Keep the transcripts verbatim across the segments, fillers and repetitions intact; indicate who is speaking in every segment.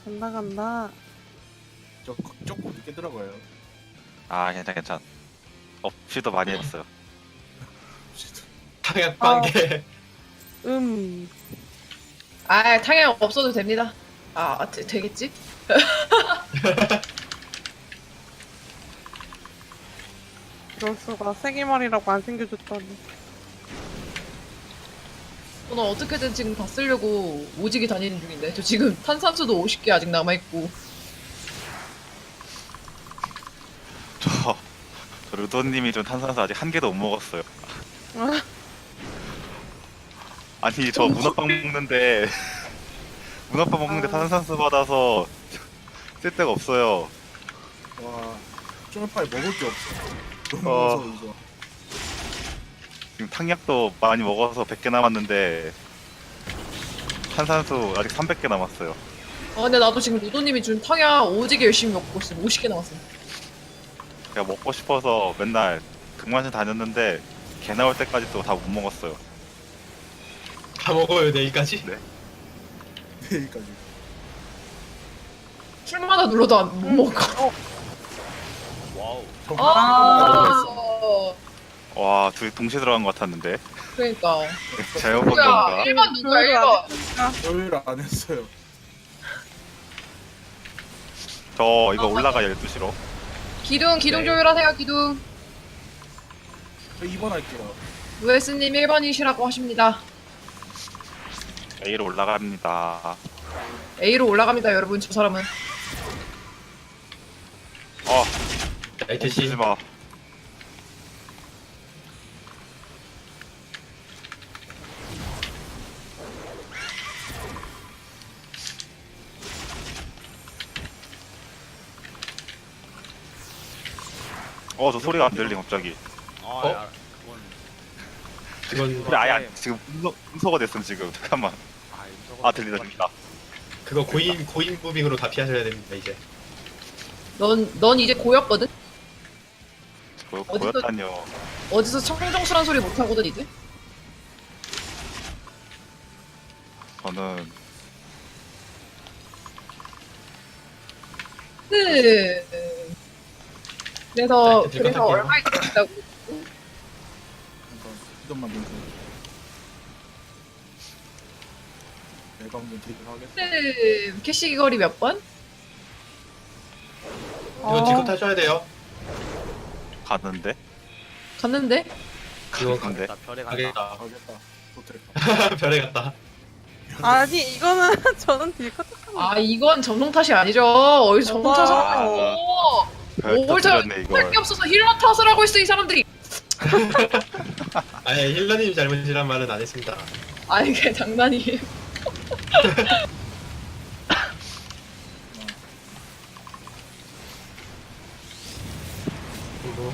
Speaker 1: 간다 간다.
Speaker 2: 저 조금 늦게 들어가요.
Speaker 3: 아 괜찮 괜찮. 업시도 많이 했어요.
Speaker 4: 탕약 관계.
Speaker 1: 음.
Speaker 5: 아, 탕약 없어도 됩니다. 아, 되, 되겠지?
Speaker 1: 이럴 수가 세기말이라고 안 챙겨줬다니.
Speaker 5: 저는 어떻게든 지금 다 쓰려고 오지게 다니는 중인데 저 지금 탄산수도 오십 개 아직 남아있고.
Speaker 3: 저, 저 루도님이 좀 탄산수 아직 한 개도 못 먹었어요.
Speaker 1: 아,
Speaker 3: 아니 저 문어빵 먹는데 문어빵 먹는데
Speaker 1: 아.
Speaker 3: 탄산수 받아서 쓸 데가 없어요.
Speaker 2: 와, 쫄파에 먹을 게 없어. 너무
Speaker 3: 어.
Speaker 2: 무서워 이거.
Speaker 3: 지금 탕약도 많이 먹어서 백 개 남았는데 탄산수 아직 삼백 개 남았어요.
Speaker 5: 아, 근데 나도 지금 루도님이 준 탕약 오지게 열심히 먹고 있어. 오십 개 남았어.
Speaker 3: 제가 먹고 싶어서 맨날 등반실 다녔는데 개 나올 때까지도 다 못 먹었어요.
Speaker 4: 다 먹어요 내일까지.
Speaker 3: 네.
Speaker 2: 내일까지.
Speaker 5: 술마다 눌러도 안, 못 먹어.
Speaker 3: 와우.
Speaker 5: 아,
Speaker 3: 와, 둘이 동시에 들어간 것 같았는데.
Speaker 5: 그러니까.
Speaker 3: 잘못 본
Speaker 5: 뭐야,
Speaker 3: 건가?
Speaker 5: 일 번 누구야, 일
Speaker 1: 별로
Speaker 5: 번.
Speaker 1: 안 했으니까.
Speaker 2: 조율을 안 했어요.
Speaker 3: 저 이거 올라가 열두 시로.
Speaker 5: 기둥, 기둥
Speaker 3: 네.
Speaker 5: 조율하세요, 기둥.
Speaker 2: 저 이 번 할게요.
Speaker 5: 루에스님 일 번이시라고 하십니다.
Speaker 3: A로 올라갑니다.
Speaker 5: A로 올라갑니다, 여러분. 저 사람은.
Speaker 3: 어,
Speaker 4: 나이트 씨.
Speaker 3: 멈추지 마. 어, 저 소리가 안 들리 갑자기.
Speaker 4: 어?
Speaker 6: 야, 그건
Speaker 4: 그건
Speaker 3: 근데 아예 안, 지금 음소, 음소가 됐음 지금. 잠깐만.
Speaker 6: 아, 임서가
Speaker 3: 아, 들리다 들린다.
Speaker 4: 그거 고인 고인 무빙으로 다 피하셔야 됩니다 이제.
Speaker 5: 넌, 넌 이제 고였거든?
Speaker 3: 보,
Speaker 5: 어디서-
Speaker 3: 보였다뇨.
Speaker 5: 어디서 청정수란 소리 못하거든, 이제?
Speaker 3: 저는
Speaker 5: 네. 그래서,
Speaker 4: 자, 이제
Speaker 5: 그래서
Speaker 4: 들어갈게요.
Speaker 5: 얼마 있다고.
Speaker 2: 한번 이것만 민서. 내방금 드리긴 하겠어.
Speaker 5: 네. 캐시 거리 몇 번?
Speaker 4: 이거
Speaker 1: 아.
Speaker 4: 뒤로 타셔야 돼요.
Speaker 3: 갔는데.
Speaker 5: 갔는데?
Speaker 4: 이거
Speaker 3: 근데
Speaker 6: 나 별에 간다.
Speaker 4: 가겠다.
Speaker 2: 가겠다. 도트랙.
Speaker 4: 별에 갔다.
Speaker 1: 아니 이거는 저는 딜컷
Speaker 5: 아, 이건 점성 탓이 아니죠. 어디서 점성 탓을
Speaker 3: 아.
Speaker 5: 하고.
Speaker 3: 별
Speaker 5: 뭘 잘-
Speaker 3: 터뜨렸네
Speaker 5: 할 게
Speaker 3: 이걸.
Speaker 5: 없어서 힐러 탓을 하고 있어, 이 사람들이.
Speaker 4: 아니 힐러님 잘못이란 말은 안 했습니다.
Speaker 5: 아, 이게 장난이에요.
Speaker 4: 그리고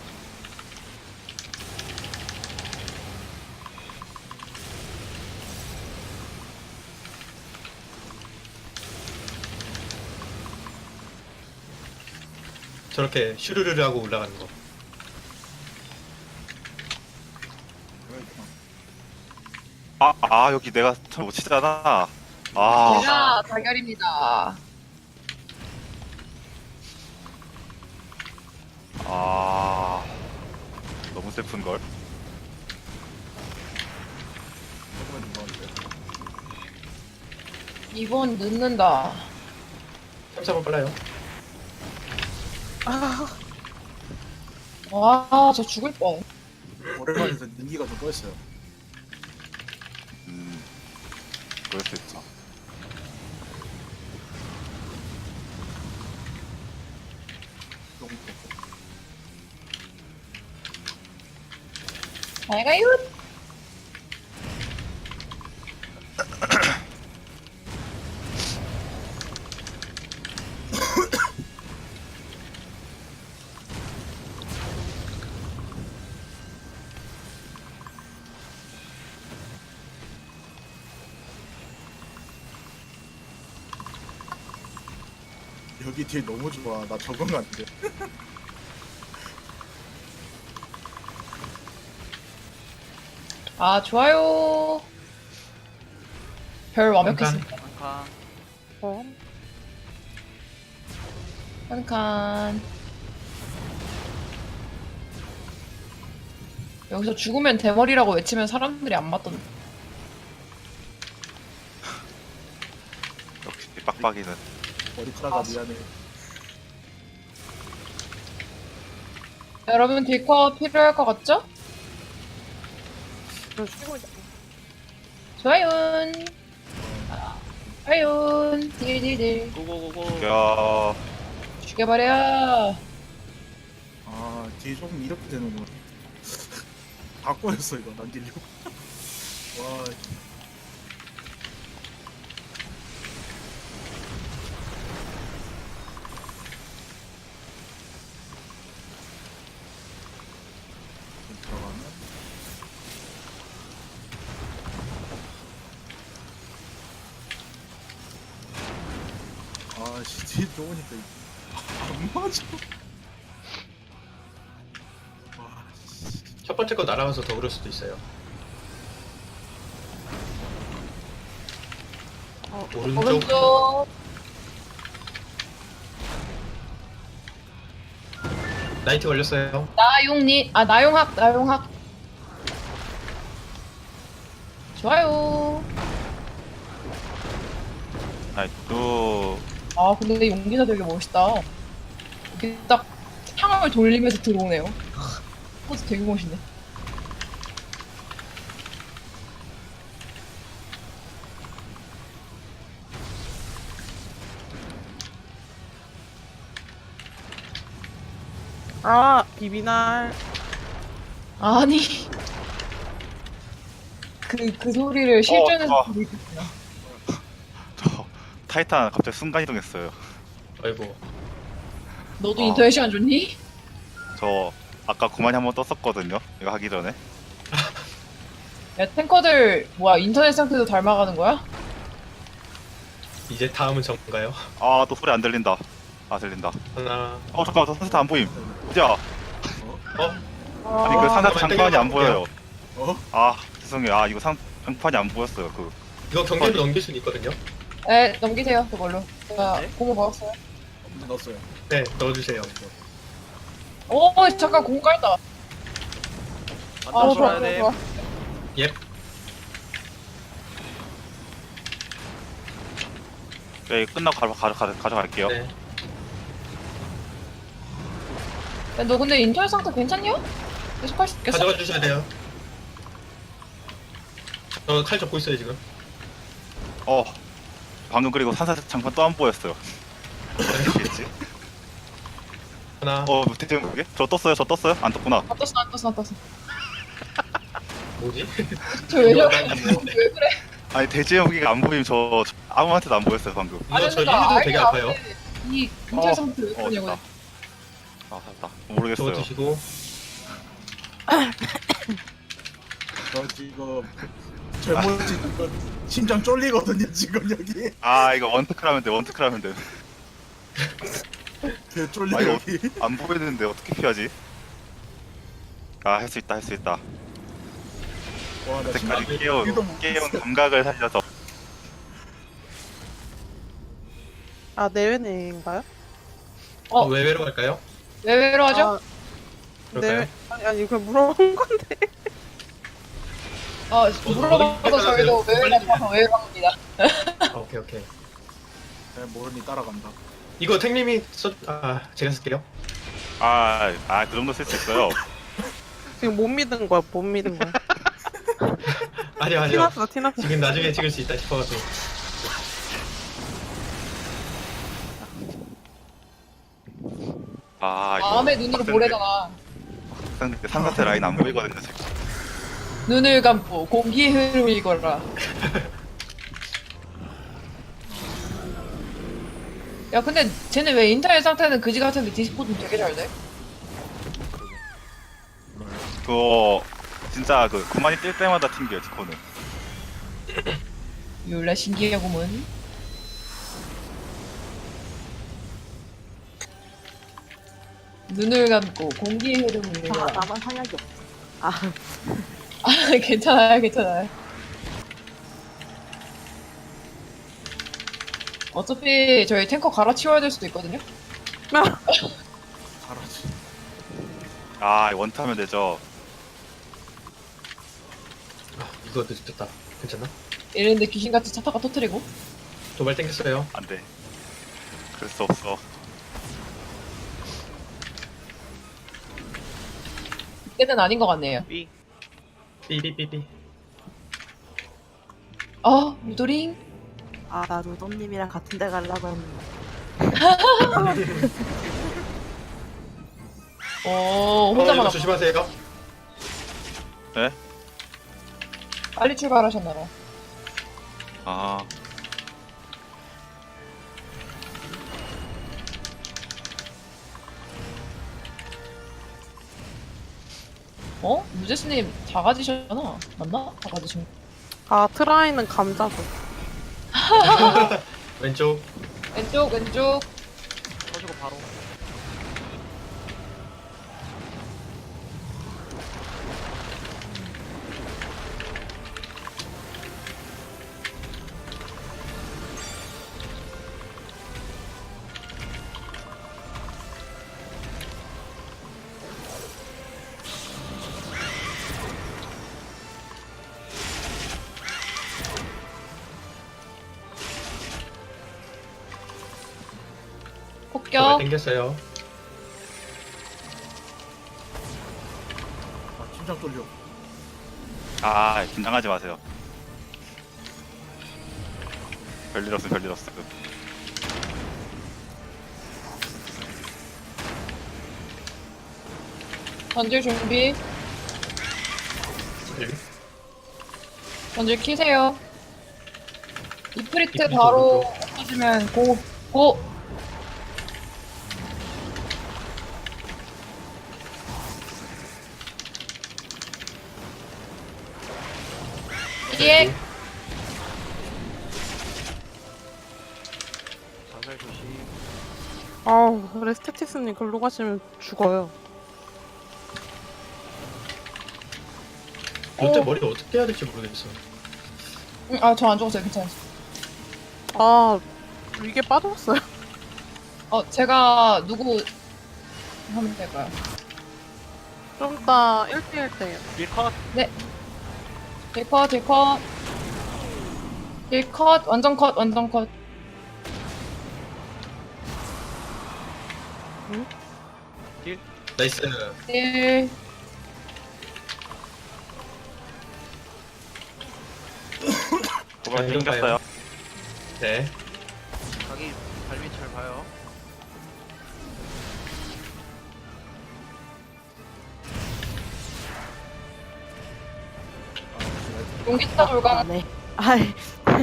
Speaker 4: 저렇게 슈르르르 하고 올라가는 거.
Speaker 3: 아, 아 여기 내가 참 못 치잖아. 아,
Speaker 5: 제가 다결입니다.
Speaker 3: 아, 너무 슬픈 걸.
Speaker 2: 조금만 더 하는데.
Speaker 5: 이번 늦는다.
Speaker 4: 삼 번 빨라요.
Speaker 1: 아,
Speaker 5: 와, 저 죽을 뻔.
Speaker 2: 오랜만에서 능기가 좀 꺼였어요.
Speaker 3: 음, 그럴 수 있어.
Speaker 2: 너무
Speaker 5: 잘 가요.
Speaker 2: 여기 뒤에 너무 좋아. 나 적응 안 돼.
Speaker 5: 아, 좋아요. 별 완벽했습니다.
Speaker 6: 한칸
Speaker 1: 어.
Speaker 5: 한 칸. 여기서 죽으면 대머리라고 외치면 사람들이 안 맞던데.
Speaker 3: 역시 빡빡이는.
Speaker 2: 머리카락아
Speaker 5: 아,
Speaker 2: 미안해.
Speaker 5: 여러분 딜컷 필요할 것 같죠?
Speaker 1: 저 쉬고 있어.
Speaker 5: 좋아요. 좋아요. 딜딜딜.
Speaker 6: 고고고고.
Speaker 3: 야,
Speaker 5: 죽여버려.
Speaker 2: 아 뒤에 조금 이렇게 되는구나. 다 꼬였어 이거 남기려고. 와 들어가면 아씨 뒤에 들어오니까 안 맞아. 와 씨.
Speaker 4: 첫 번째 거 날아가서 더 그럴 수도 있어요.
Speaker 1: 어,
Speaker 4: 오른쪽.
Speaker 5: 오른쪽.
Speaker 4: 나이트 걸렸어요.
Speaker 5: 나용니. 아 나용학. 나용학. 좋아요.
Speaker 3: 나이또
Speaker 5: 아 근데 용기사 되게 멋있다. 이렇게 딱 창을 돌리면서 들어오네요. 포즈 되게 멋있네.
Speaker 1: 아 비비날.
Speaker 5: 아니 그 그 소리를 실전에서
Speaker 3: 어.
Speaker 5: 들으셨구나.
Speaker 3: 저 타이탄 갑자기 순간 이동했어요.
Speaker 4: 아이고.
Speaker 5: 너도
Speaker 3: 어.
Speaker 5: 인터넷 시간 좋니?
Speaker 3: 저 아까 고만이 한번 떴었거든요. 이거 하기 전에.
Speaker 5: 야 탱커들 뭐야 인터넷 상태도 닮아가는 거야?
Speaker 4: 이제 다음은 전가요?
Speaker 3: 아, 또 소리 안 들린다. 아, 들린다.
Speaker 4: 하나.
Speaker 3: 어, 잠깐만, 저 산세트 안 보임. 보자.
Speaker 4: 어?
Speaker 3: 아니, 그 산세트
Speaker 4: 잠깐만,
Speaker 3: 장판이 안
Speaker 4: 땡겨볼게요.
Speaker 3: 보여요.
Speaker 2: 어?
Speaker 3: 아, 죄송해요. 아, 이거 상, 장판이 안 보였어요. 그.
Speaker 4: 이거 경계로 넘길 수는 있거든요.
Speaker 5: 네 넘기세요 그걸로. 제가
Speaker 6: 네?
Speaker 5: 고무 먹었어요.
Speaker 2: 넣었어요.
Speaker 4: 네, 넣어주세요.
Speaker 5: 오 잠깐 고무 깔다.
Speaker 6: 안
Speaker 5: 아 좋아
Speaker 6: 떨어져야
Speaker 5: 좋아
Speaker 6: 돼.
Speaker 5: 좋아.
Speaker 4: 예.
Speaker 3: 네, 끝나고 가져, 가져, 가져, 가져갈게요.
Speaker 4: 네.
Speaker 5: 야, 너 근데 인터넷 상태 괜찮냐? 계속 할 수 있겠어?
Speaker 4: 가져가 주셔야 돼요. 저 칼 접고 있어요 지금.
Speaker 3: 어. 방금 그리고 산세트 장판 또 안 보였어요. 어떻게지?
Speaker 4: 하나.
Speaker 3: 어, 대체 그게? 저 떴어요, 저 떴어요? 안 떴구나.
Speaker 5: 안 떴어 안 떴어 안 떴어.
Speaker 4: 뭐지?
Speaker 5: 저왜
Speaker 4: 이거
Speaker 5: 저래?
Speaker 4: 난 뭐-
Speaker 5: 왜 그래?
Speaker 3: 아니, 대지 여기가 안 보임. 저, 저 아무한테도 안 보였어요, 방금.
Speaker 4: 이거 저
Speaker 5: 그러니까
Speaker 4: 일도 되게
Speaker 5: 알게
Speaker 4: 아파요.
Speaker 5: 안 돼. 이 인터넷
Speaker 3: 어,
Speaker 5: 상태 왜
Speaker 3: 어,
Speaker 5: 그러냐고.
Speaker 3: 됐다. 아, 됐다.
Speaker 4: 저거
Speaker 3: 모르겠어요.
Speaker 4: 드시고.
Speaker 2: 저 지금 젊어진 이거 심장 쫄리거든요 지금 여기.
Speaker 3: 아, 이거 원테크라면 돼, 원테크라면 돼.
Speaker 2: 개 쫄려
Speaker 3: 아, 이거
Speaker 2: 여기.
Speaker 3: 안 보이는데 어떻게 피하지? 아, 할 수 있다, 할 수 있다.
Speaker 2: 와나
Speaker 3: 그때까지
Speaker 2: 심장
Speaker 3: 깨운,
Speaker 2: 여기도 못
Speaker 3: 깨운
Speaker 2: 봤어.
Speaker 3: 감각을 살려서.
Speaker 1: 아 내외내인가요?
Speaker 5: 어.
Speaker 4: 어, 외외로 갈까요?
Speaker 5: 왜 왜로 하죠?
Speaker 1: 아,
Speaker 4: 그럴까요?
Speaker 1: 내외 아니 아니 그냥 물어본 건데.
Speaker 5: 어, 물어봐도 저희도 왜 왜로 가서 왜 왜로 합니다.
Speaker 4: 아, 오케이 오케이.
Speaker 2: 네, 모르니 따라간다.
Speaker 4: 이거 탱님이 써. 아, 제가 쓸게요.
Speaker 3: 아, 아, 그 정도 쓸 수 있어요.
Speaker 1: 지금 못 믿은 거야 못 믿은 거야.
Speaker 4: 아니요 아니요.
Speaker 1: 티났어 티났어.
Speaker 4: 지금 나중에 찍을 수 있다 싶어가지고.
Speaker 3: 아, 이거.
Speaker 5: 마음의 눈으로
Speaker 3: 빡센데.
Speaker 5: 보래잖아.
Speaker 3: 빡센데 산사태 라인 안 보이거든요, 지금.
Speaker 5: 눈을 감고 공기의 흐름을 이거라. 야 근데 쟤네 왜 인터넷 상태는 그지 같은데 디스코드 되게 잘 돼?
Speaker 3: 그거, 진짜 그, 그만이 뛸 때마다 튕겨요, 디코는.
Speaker 5: 몰라 신기하구먼. 눈을 감고 공기의 흐름을
Speaker 7: 아,
Speaker 5: 이거라.
Speaker 7: 나만 상약이 없어. 아,
Speaker 5: 아 괜찮아요 괜찮아요. 어차피 저희 탱커 갈아치워야 될 수도 있거든요.
Speaker 2: 잘하지.
Speaker 3: 아 원타면 되죠.
Speaker 4: 아 이거 늦었다. 괜찮나?
Speaker 5: 이랬는데 귀신같이 차 타가 터트리고.
Speaker 4: 도발 땡겼어요.
Speaker 3: 안돼. 그럴 수 없어.
Speaker 5: 이때는 아닌 것 같네요.
Speaker 6: 삐.
Speaker 4: 삐삐삐삐.
Speaker 5: 아, 무도링.
Speaker 7: 아, 나 루돔님이랑 같은 데 가려고 했는데.
Speaker 5: 어,
Speaker 4: 어,
Speaker 5: 혼자만
Speaker 4: 이거
Speaker 5: 왔
Speaker 4: 조심하세요.
Speaker 3: 네?
Speaker 5: 빨리 출발하셨나봐.
Speaker 3: 아
Speaker 5: 어? 무제스님 작아지셨잖아. 맞나? 작아지신.
Speaker 1: 아 트라이는 감자도.
Speaker 4: 왼쪽.
Speaker 5: 왼쪽, 왼쪽.
Speaker 6: 터지고 바로.
Speaker 4: 도발
Speaker 5: 폭격.
Speaker 4: 땡겼어요.
Speaker 2: 아, 심장 떨려.
Speaker 3: 아, 긴장하지 마세요. 별일 없음 별일 없음.
Speaker 5: 전질 준비.
Speaker 4: 네.
Speaker 5: 전질 키세요. 이프리트
Speaker 4: 이프리트
Speaker 5: 바로 터지면 고, 고! 예.
Speaker 6: 자살 조심.
Speaker 1: 아우 레스테티스님 글로 가시면 죽어요.
Speaker 4: 도대체
Speaker 5: 어.
Speaker 4: 머리 어떻게 해야 될지 모르겠어.
Speaker 5: 응, 아, 저 안 죽었어요. 괜찮아요.
Speaker 1: 아 이게 빠졌어요.
Speaker 5: 어, 제가 누구 하면 될까요?
Speaker 1: 좀 이따 일 대일 때요.
Speaker 6: 딜컷.
Speaker 5: 딜컷, 딜컷. 딜컷, 완전 컷, 완전 컷.
Speaker 4: 나이스.
Speaker 5: 딜.
Speaker 3: 도발
Speaker 4: 이런
Speaker 3: 땡겼어요.
Speaker 4: 네.
Speaker 6: 자기 발밑 잘 봐요.
Speaker 5: 용기타 돌강.
Speaker 7: 아, 네. 아이,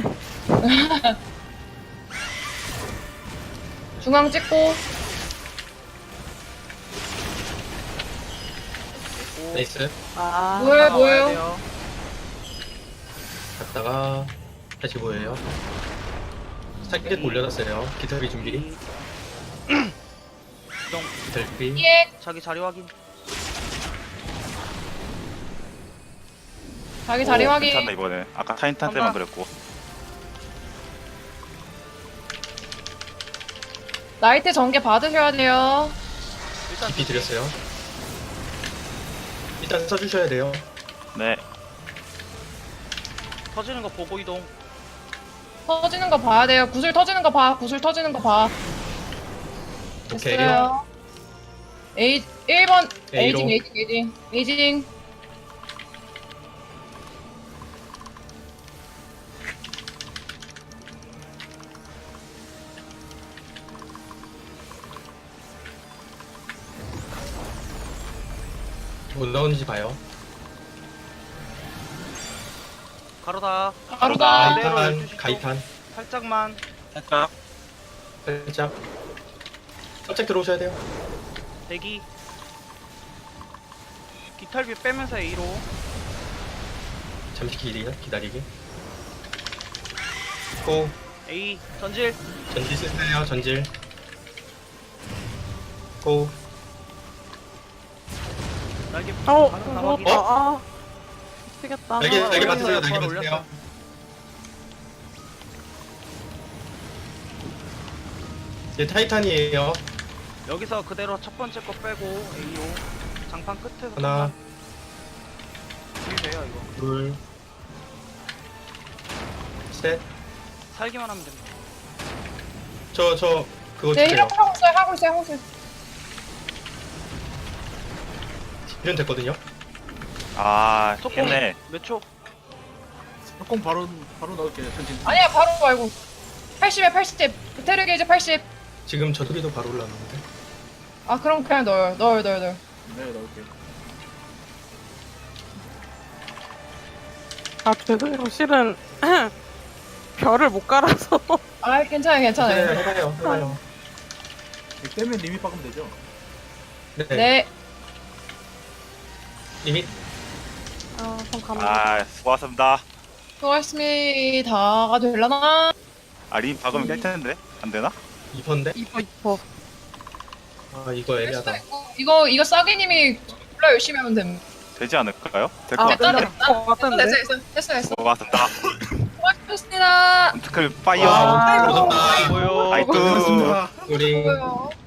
Speaker 5: 중앙 찍고.
Speaker 6: 됐고.
Speaker 4: 나이스.
Speaker 7: 아,
Speaker 5: 뭐예요,
Speaker 6: 하나 와야
Speaker 5: 뭐예요?
Speaker 6: 돼요.
Speaker 4: 갔다가 다시 뭐예요? 타겟 올려놨어요. 기타비 준비.
Speaker 6: 이동.
Speaker 4: 기타비.
Speaker 5: 예.
Speaker 6: 자기 자리 확인.
Speaker 5: 자기 자리
Speaker 3: 오,
Speaker 5: 확인.
Speaker 3: 괜찮네 이번에. 아까 타인탄 때만 그랬고.
Speaker 5: 나이트 전개 받으셔야 돼요.
Speaker 6: 일단
Speaker 4: 기피 드렸어요. 일단 써주셔야 돼요.
Speaker 3: 네.
Speaker 6: 터지는 거 보고 이동.
Speaker 5: 터지는 거 봐야 돼요. 구슬 터지는 거 봐. 구슬 터지는 거 봐.
Speaker 4: 오케이.
Speaker 5: 됐어요. 에이, 일 번.
Speaker 4: A로.
Speaker 5: 에이징, 에이징, 에이징. 에이징.
Speaker 4: 못 나오는지 봐요.
Speaker 6: 가로다.
Speaker 5: 가로다.
Speaker 6: 그대로
Speaker 4: 가이탄,
Speaker 6: 열두 시 쪽.
Speaker 4: 가이탄.
Speaker 6: 살짝만.
Speaker 3: 살짝.
Speaker 4: 살짝. 살짝 들어오셔야 돼요.
Speaker 6: 대기. 기탈비 빼면서 A로.
Speaker 4: 잠시 기다리, 기다리기. 고.
Speaker 6: A 전질.
Speaker 4: 전질 쓰세요, 전질. 고.
Speaker 6: 날개.
Speaker 1: 어
Speaker 6: 하나
Speaker 1: 무섭다.
Speaker 6: 확인.
Speaker 1: 아 미치겠다.
Speaker 4: 날개,
Speaker 6: 아,
Speaker 4: 날개
Speaker 6: 올렸어요.
Speaker 4: 맞으세요, 날개
Speaker 6: 바로
Speaker 4: 맞으세요.
Speaker 6: 올렸어.
Speaker 4: 이제 타이탄이에요.
Speaker 6: 여기서 그대로 첫 번째 거 빼고 에이오 장판 끝에서
Speaker 4: 하나,
Speaker 6: 딜 돼요 이거.
Speaker 4: 둘, 셋.
Speaker 6: 살기만 하면 됩니다.
Speaker 4: 저, 저, 그거
Speaker 5: 네,
Speaker 4: 주세요.
Speaker 5: 이렇게 하고 있어요, 하고 있어요, 하고 있어요.
Speaker 4: 이런 됐거든요.
Speaker 3: 아
Speaker 6: 속공
Speaker 3: 걔네
Speaker 6: 몇 초?
Speaker 2: 조금 바로 바로 넣을게요. 전진.
Speaker 5: 아니야, 바로 말고. 팔십에 팔십. 테르 게이지 팔십.
Speaker 4: 지금 저 소리도 바로 올라왔는데.
Speaker 5: 아, 그럼 그냥 넣어요. 넣어요, 넣어요, 넣어요.
Speaker 2: 네, 넣을게요.
Speaker 1: 아 죄송해요. 실은 별을 못 깔아서.
Speaker 5: 아, 괜찮아요,
Speaker 4: 네,
Speaker 5: 괜찮아요.
Speaker 4: 해봐요, 해봐요.
Speaker 2: 이거 떼면 리밋 박으면 되죠?
Speaker 4: 네.
Speaker 5: 네.
Speaker 4: 리밋.
Speaker 1: 아 그럼 갑니다.
Speaker 3: 아 수고하셨습니다.
Speaker 5: 수고하셨습니다. 되려나?
Speaker 3: 아림 박으면 깰 텐데 안 되나?
Speaker 4: 이 퍼인데?
Speaker 1: 이뻐 이뻐.
Speaker 4: 아, 이거 애매하다.
Speaker 5: 이거, 이거 싸기님이 졸라 열심히 하면 됨.
Speaker 3: 되지 않을까요? 될 것
Speaker 1: 아
Speaker 5: 됐다,
Speaker 3: 같은데.
Speaker 5: 됐다.
Speaker 1: 것
Speaker 5: 됐어,
Speaker 1: 같은데.
Speaker 5: 됐어, 됐어, 됐어, 됐어.
Speaker 3: 수고하셨습니다.
Speaker 5: 수고하셨습니다.
Speaker 3: 원트클 파이어.
Speaker 4: 와, 오졌다.
Speaker 6: 뭐요?
Speaker 3: 아이쿠.
Speaker 2: 고맙습니다.
Speaker 4: 우리
Speaker 5: 수고요.